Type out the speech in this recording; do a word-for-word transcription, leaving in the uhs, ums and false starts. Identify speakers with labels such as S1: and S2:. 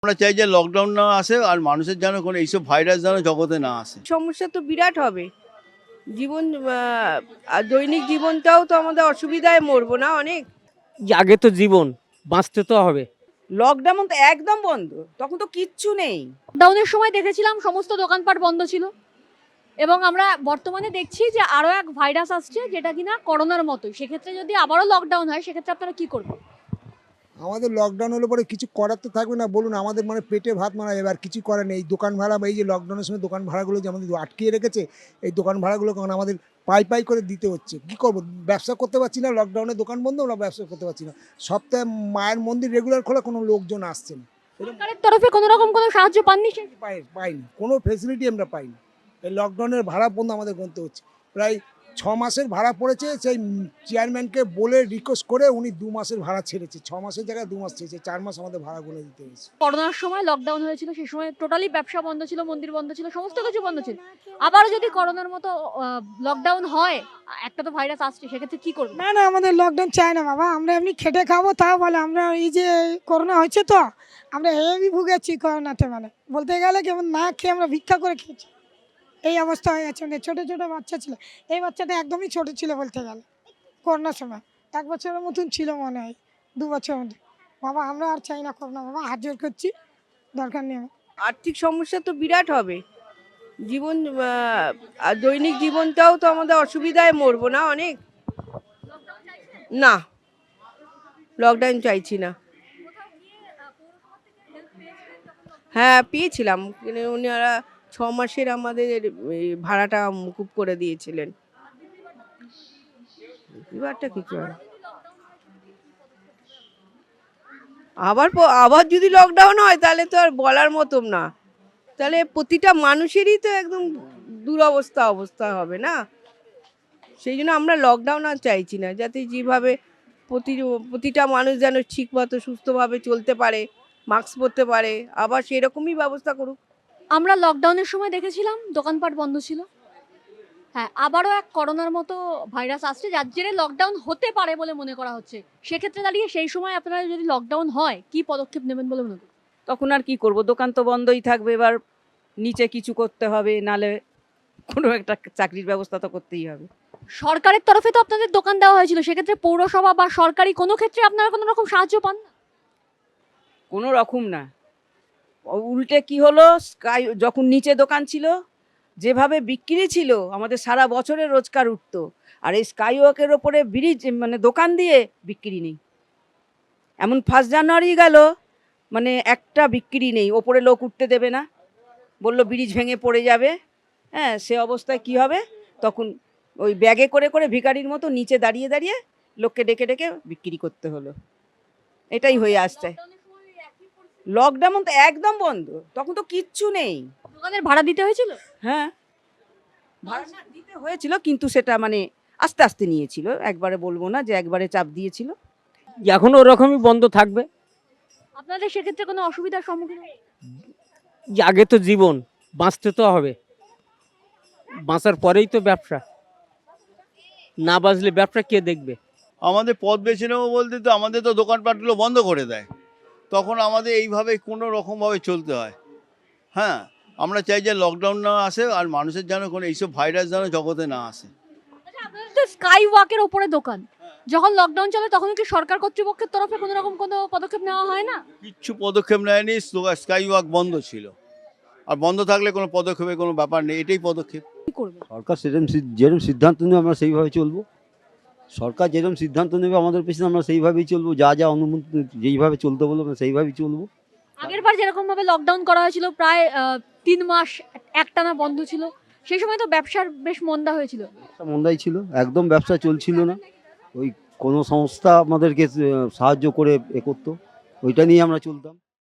S1: আমরা চাই যে লকডাউন না আসে আর মানুষের যেন কোনো এইসব ভাইরাস যেন জগতে না আসে।
S2: সমস্যা তো বিরাট হবে। জীবন আহ, আর দৈনিক জীবনটাও তো আমাদের অসুবিধায় মরবো না অনেক।
S3: আগে তো জীবন, বাঁচতে তো হবে।
S4: লকডাউন তো একদম বন্ধ, তখন তো কিচ্ছু নেই।
S5: লকডাউনের সময় দেখেছিলাম সমস্ত দোকানপাট বন্ধ ছিল এবং আমরা বর্তমানে দেখছি যে আরও এক ভাইরাস আসছে যেটা কিনা করোনার মতোই। সেক্ষেত্রে যদি আবারও লকডাউন হয় সেক্ষেত্রে আপনারা কি করবেন?
S6: আমাদের লকডাউন হলে পরে কিছু করার তো থাকবে না, বলুন। আমাদের মানে পেটে ভাত মারা, এবার কিছু করার নেই। দোকান ভাড়া, এই যে লকডাউনের সময় দোকান ভাড়াগুলো যে আমাদের আটকিয়ে রেখেছে, এই দোকান ভাড়াগুলো কারণ আমাদের পাই পাই করে দিতে হচ্ছে। কি করব, ব্যবসা করতে পারছি না, লকডাউনে দোকান বন্ধ, আমরা ব্যবসা করতে পারছি না। সপ্তাহে মায়ের মন্দির রেগুলার খোলা, কোনো লোকজন আসছে না।
S5: সরকারের তরফে কোনো রকম কোনো সাহায্য পাননি?
S6: পাই পাইনি, কোনো ফেসিলিটি আমরা পাইনি। এই লকডাউনের ভাড়া বন্ধ আমাদের গুনতে হচ্ছে। প্রায় ছ মাসের ভাড়া পড়েছে, সেই চেয়ারম্যানকে বলে রিকোয়েস্ট করে উনি দু মাসের ভাড়া ছেড়েছে। ছ মাসের জায়গায় দু মাস ছেড়েছে, চার মাস আমাদের ভাড়া গুনে দিতে হয়েছে।
S5: করোনার সময় লকডাউন হয়েছিল, সেই সময় টোটালি ব্যবসা বন্ধ ছিল, মন্দির বন্ধ ছিল, সমস্ত কিছু বন্ধ ছিল। আবারও যদি করোনার মতো লকডাউন হয়, একটা তো ভাইরাস আসছে, সেক্ষেত্রে কি করবে?
S7: না না, আমাদের লকডাউন চাই না বাবা। আমরা এমনি খেটে খাবো, তাও বলে আমরা এই যে করোনা হয়েছে তো আমরা হেভি ভুগেছি করোনাতে। মানে বলতে গেলে কেমন না খেয়ে আমরা ভিক্ষা করে খেয়েছি, এই অবস্থা হয়ে গেছে। মানে ছোটো ছোটো বাচ্চা ছিল, এই বাচ্চাটা একদমই ছোট ছিল বলতে গেলে। করোনার সময় এক বছরের মতন ছিল মনে হয়, দু বছর মধ্যে। বাবা আমরা আর চাই না করোনা, বাবা হাত জোর করছি, দরকার নেই।
S2: আর্থিক সমস্যা তো বিরাট হবে। জীবন আহ, আর দৈনিক জীবনটাও তো আমাদের অসুবিধায় মরবো না অনেক। না, লকডাউন চাইছি না। হ্যাঁ পেয়েছিলাম, কিন্তু ওনারা ছ মাসের আমাদের এই ভাড়াটা মুকুব করে দিয়েছিলেন। এবারটা কিছু হয় আবার প- আবার যদি লকডাউন হয় তাহলে তো আর বলার মতন না। তাহলে প্রতিটা মানুষেরই তো একদম দুরবস্থা অবস্থা হবে না। সেই জন্য আমরা লকডাউন আর চাইছি না, যাতে যেভাবে প্রতি প্রতিটা মানুষ যেন ঠিকমতো সুস্থভাবে চলতে পারে, মাস্ক পরতে পারে, আবার সেরকমই ব্যবস্থা করুক।
S5: আমরা লকডাউনের সময় দেখেছিলাম দোকানপাট বন্ধ ছিল। হ্যাঁ, আবারও এক করোনার মতো ভাইরাস আসছে যার জেরে লকডাউন হতে পারে বলে মনে করা হচ্ছে। সেক্ষেত্রে দাঁড়িয়ে সেই সময় আপনারা যদি লকডাউন হয় কি পদক্ষেপ নেবেন বলে মনে করেন?
S4: তখন আর কি করব, দোকান তো বন্ধই থাকবে। এবার নিচে কিছু করতে হবে, নালে কোনো একটা চাকরির ব্যবস্থা তো করতেই হবে।
S5: সরকারের তরফে তো আপনাদের দোকান দেওয়া হয়েছিল, সেক্ষেত্রে পৌরসভা বা সরকারি কোনো ক্ষেত্রে আপনারা কোনো রকম সাহায্য পান না?
S4: কোনো রকম না, উল্টে কি হলো, স্কাই যখন নিচে দোকান ছিল, যেভাবে বিক্রি ছিল আমাদের সারা বছরের রোজগার উঠতো। আর এই স্কাই ওয়াকের ওপরে ব্রিজ মানে দোকান দিয়ে বিক্রি নেই। এমন ফার্স্ট জানুয়ারি গেল, মানে একটা বিক্রি নেই, ওপরে লোক উঠতে দেবে না, বললো ব্রিজ ভেঙে পড়ে যাবে। হ্যাঁ, সে অবস্থায় কি হবে, তখন ওই ব্যাগে করে করে ভিখারির মতো নিচে দাঁড়িয়ে দাঁড়িয়ে লোককে ডেকে ডেকে বিক্রি করতে হলো। এটাই হয়ে আসছে। লকডাউন তো একদম বন্ধ, তখন তো কিচ্ছু নেই।
S5: দোকানের ভাড়া দিতে হয়েছিল?
S4: হ্যাঁ, ভাড়া না দিতে হয়েছিল, কিন্তু সেটা মানে আস্তে আস্তে নিয়েছিল, একবারে বলবো না যে একবারে চাপ দিয়েছিল।
S3: এখনো ওরকমই বন্ধ থাকবে।
S5: আপনাদের সেক্ষেত্রে কোনো অসুবিধার সম্মুখীন হন?
S3: আগে তো জীবন, বাঁচতে তো হবে। বাঁচার পরেই তো ব্যবসা, না বাঁচলে ব্যবসা কে দেখবে?
S1: আমাদের পথ বেছে নেবো বলতে তো আমাদের তো দোকানপাটগুলো বন্ধ করে দেয়, তখন আমাদের এইভাবে কোনো রকমভাবে চলতে হয়। হ্যাঁ, আমরা চাই যে লকডাউন না আসে আর মানুষের যেন কোনো এইসব ভাইরাস যেন জগতে না আসে।
S5: আচ্ছা, আপনাদের তো স্কাই ওয়াকের ওপরে দোকান, যখন লকডাউন চলে তখন কি সরকার কর্তৃপক্ষের তরফে কোনো রকম কোনো পদক্ষেপ নেওয়া হয় না?
S1: কিচ্ছু পদক্ষেপ নেয়নি, স্কাই ওয়াক বন্ধ ছিল। আর বন্ধ থাকলে কোনো পদক্ষেপের কোনো ব্যাপার নেই, এটাই পদক্ষেপ।
S5: কি করবে?
S8: সরকার সেরকম যেরকম সিদ্ধান্ত নেবে আমরা সেইভাবে চলবো। সরকার যেরকম সিদ্ধান্ত নেবে আমাদের পিছনে আমরা সেইভাবেই চলবো। যা যা অনুমতি যেইভাবে চলতে বলবো আমরা সেইভাবেই চলবো।
S5: আগের বার যেরকম ভাবে লকডাউন করা হয়েছিল, প্রায় আহ, তিন মাস একটানা বন্ধ ছিল, সেই সময় তো ব্যবসার বেশ মন্দা হয়েছিল।
S8: ব্যবসা মন্দাই ছিল, একদম ব্যবসা চলছিল না। ওই কোনো সংস্থা আমাদেরকে আহ, সাহায্য করে এ করতো, ওইটা নিয়ে আমরা চলতাম।